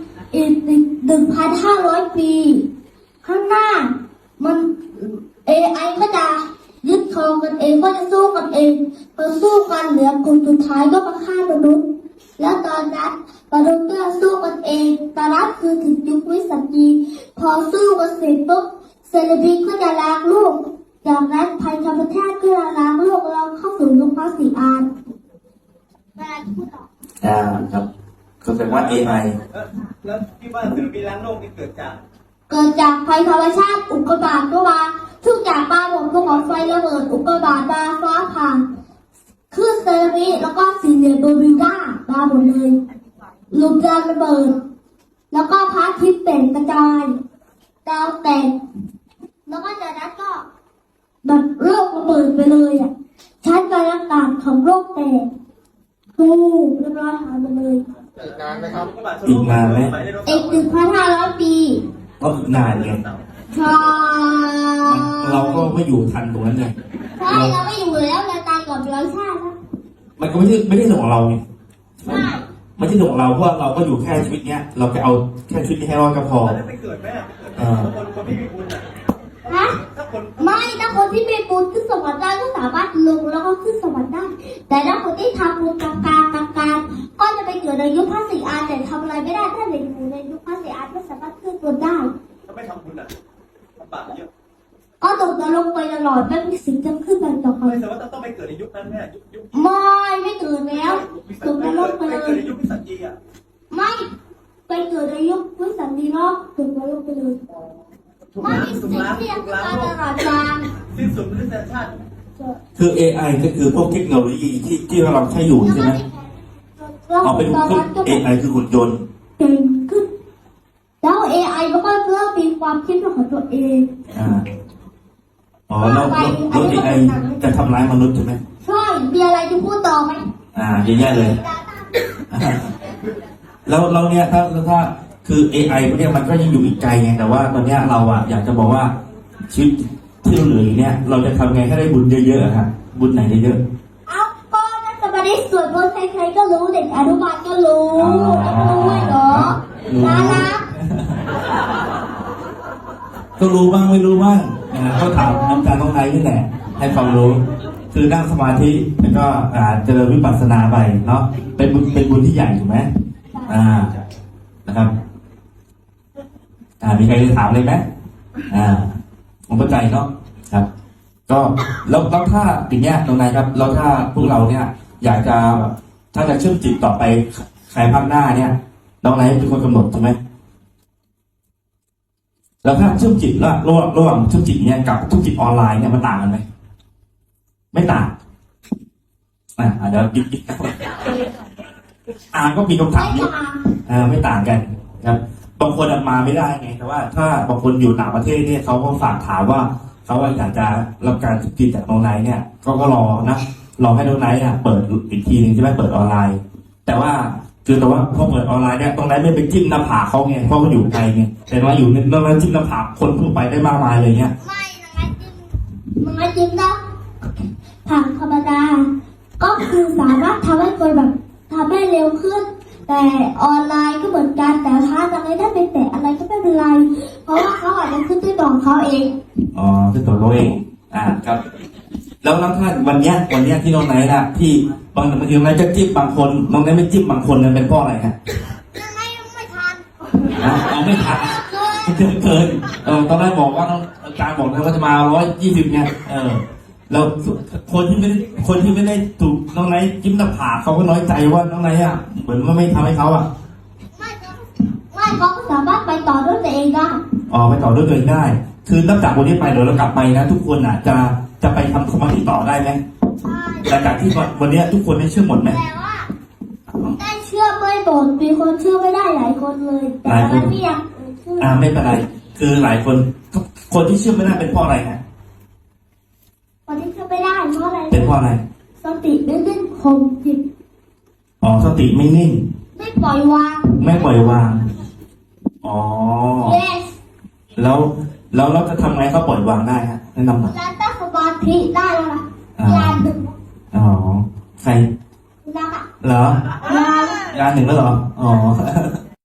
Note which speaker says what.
Speaker 1: อีก1,500 ปีข้างหน้ามัน AI ก็จะยึดครองกันเองก็จะสู้กันเองพอสู้กันเหลือกลุ่มสุดท้ายก็มาฆ่ามนุษย์แล้วตอนนั้นมนุษย์ก็สู้กันเองตอนนั้นคือถึงยุควิสัญญีพอสู้กันเสร็จปุ๊บเซเลบีก็จะล้างโลกจากนั้นภัยธรรมชาติก็จะล้างโลกเราเข้าสู่ยุคพระศรีอานเวลาพูดออก
Speaker 2: ครับเขาเรียกว่า AI
Speaker 3: แล้วที่ว่าศิลปินล้างโลกนี่เกิดจาก
Speaker 1: ภัยธรรมชาติอุกกาบาตก็มาทุกอย่างมาหมดภูเขาไฟระเบิดอุกกาบาตมาฟ้าผ่าคลื่นสึนามิแล้วก็สี่เหลี่ยมเบอร์มิวดามาหมดเลยลูกดาวระเบิดแล้วก็พระอาทิตย์แตกกระจายดาวแตกแล้วก็จากนั้นก็แบบโลกระเบิดไปเลยอ่ะชั้นบรรยากาศของโลกแตกทูเรียบร้อยหายไปเลย
Speaker 3: อีกนานไหมครับ
Speaker 2: อีกนานไหม
Speaker 1: อีก1,500 ปี
Speaker 2: ก็อีกนานไง
Speaker 1: ใช่
Speaker 2: เราก็ไม่อยู่ทันตรงนั้นไง
Speaker 1: ใช่เราไม่อยู่แล้วเราตายก่อนเราชาตินะ
Speaker 2: มันก็ไม่ได้ส่งของเราไง
Speaker 1: ใช่
Speaker 2: ไม่ใช่ส่งของเราเพราะเราก็อยู่แค่ชีวิตเนี้ยเราไปเอาแค่ชีวิตนี้ให้รอดก็พอ
Speaker 3: แล้วไม่เกิดแม่คนที่มีบุญอ่ะ
Speaker 1: ฮะไม่ถ้าคนที่มีบุญขึ้นสวรรค์ได้ก็สามารถลงแล้วก็ขึ้นสวรรค์ได้แต่ถ้าคนที่ทำบุญกลางก็จะไปเกิดในยุคพระศรีอานแต่ทำอะไรไม่ได้ถ้าเด็กอยู่ในยุคพระศรีอานไม่สามารถขึ้นบนได้
Speaker 3: ถ้าไม่ทำบุญอ่ะทำบาปเยอะ
Speaker 1: ก็ตกนรกไปตลอดไม่มีสิ่งจะขึ้นไปต่อไป
Speaker 3: ไม่แต่ว่าต้องไปเกิดในยุคนั้นแม่ยุค
Speaker 1: ไม่เกิดแล้วตกนรกไปเลย
Speaker 3: เกิดในยุควิสัญญีอ่ะ
Speaker 1: ไม่ไปเกิดในยุควิสัญญีเนาะตกนรกไปเลยไม่มีสิ่งที่ยังตลอดกาล
Speaker 3: สิ้นสุดมนุษยชาติ
Speaker 2: คือ AI ก็คือพวกเทคโนโลยีที่เราใช้อยู่ใช่ไหมเอาเป็นคือ AI คือหุ่นยนต์
Speaker 1: เก่งขึ้นแล้ว AI มันก็เริ่มมีความคิดของตัวเอง
Speaker 2: แล้ว AI จะทำร้ายมนุษย์ใช่ไหม
Speaker 1: ใช่มีอะไรจะพูดต่อไหม
Speaker 2: เยอะแยะเลยแล้วเนี่ยถ้าคือ AI พวกนี้มันก็ยังอยู่อีกไกลไงแต่ว่าตอนนี้เราอยากจะบอกว่าชีวิตที่เราเหลืออยู่เนี่ยเราจะทำไงให้ได้บุญเยอะๆครับบุญไหนเยอะ
Speaker 1: ๆก็นักสมาธิสวดมนต์ใครๆก็รู้เด็กอนุบาลก็รู้ไม่เหรอนะ
Speaker 2: ก็รู้บ้างไม่รู้บ้างก็ถามอาจารย์น้องไนท์นี่แหละให้ความรู้คือนั่งสมาธิแล้วก็เจริญวิปัสสนาไปเนาะเป็นบุญที่ใหญ่ถูกไหมนะครับมีใครจะถามเลยไหมผมเข้าใจเนาะครับก็แล้วถ้าอย่างเงี้ยตรงไหนครับแล้วถ้าพวกเราเนี่ยอยากจะถ้าจะเชื่อมจิตต่อไปใครภาคหน้าเนี่ยน้องไหนเป็นคนกำหนดใช่ไหมแล้วถ้าเชื่อมจิตระหว่างเชื่อมจิตเนี่ยกับเชื่อมจิตออนไลน์เนี่ยมันต่างกันไหมไม่ต่างเดี๋ยวยิบก็มีคำถามนี้ไม่ต่างกันครับบางคนมาไม่ได้ไงแต่ว่าถ้าบางคนอยู่ต่างประเทศเนี่ยเขาก็ฝากถามว่าเขาอยากจะรับการจิตจากน้องไนท์เนี่ยก็รอให้น้องไนท์เปิดอีกทีนึงใช่ไหมเปิดออนไลน์แต่ว่าพอเปิดออนไลน์เนี่ยตรงนั้นไม่ไปจิ้มหน้าผากเขาไงเพราะมันอยู่ไกลไงแต่ว่าอยู่ตรงนั้นจิ้มหน้าผากคนทั่วไปได้มากมายเลยเนี่ย
Speaker 1: ไม่จิ้มนะผากธรรมดาก็คือสามารถทำให้คนแบบทำให้เร็วขึ้นแต่ออนไลน์ก็เหมือนกันแต่ถ้าจะไม่ได้เป็นแต่อะไรก็ไม่เป็นไรเพราะว่าเขาอาจจะขึ้นด้วยตัวของเขาเอง
Speaker 2: ขึ้นตัวเขาเองครับแล้วท่านวันเนี้ยที่น้องไนท์ที่บางทีน้องไนท์จะจิ้มบางคนน้องไนท์ไม่จิ้มบางคนนั่นเป็นเพราะอะไรฮะ
Speaker 1: ไม่ทัน
Speaker 2: ไม่ทันเกินตอนแรกบอกว่าอาจารย์บอกเลยว่าจะมา120เนี่ยแล้วคนที่ไม่ได้ถูกน้องไนท์จิ้มหน้าผากเขาก็น้อยใจว่าน้องไนท์เหมือนว่าไม่ทำให้เขา
Speaker 1: ไม่เขาสามารถไปต่อด้วยตัวเองได้
Speaker 2: ไปต่อด้วยตัวเองได้คือนับจากวันนี้ไปเดี๋ยวเรากลับไปนะทุกคนจะไปทำสมาธิต่อได้ไหมใช่จากที่วันนี้ทุกคนได้เชื่อหมดไหม
Speaker 1: แต่ว่าได้เชื่อไม่หมดมีคนเชื่อไม่ได้หลายคนเลยแต่ไม่อยาก
Speaker 2: ไม่เป็นไรคือหลายคนที่เชื่อไม่ได้เป็นเพราะอะไรฮะ
Speaker 1: คนที่เชื่อไม่ได้เพราะอะไร
Speaker 2: เป็นเพราะอะไร
Speaker 1: สติไม่นิ่งคงจิต
Speaker 2: สติไม่นิ่ง
Speaker 1: ไม่ปล่อยว
Speaker 2: าง
Speaker 1: yes
Speaker 2: แล้วเราจะทำไงเขาปล่อยวางได้ฮะแนะนำหน่อย
Speaker 1: แล้วตั้งสมาธิได้แล้วนะยานหนึ่ง
Speaker 2: ใคร
Speaker 1: นัก
Speaker 2: เหรอยานหนึ่งแล้วเหรอ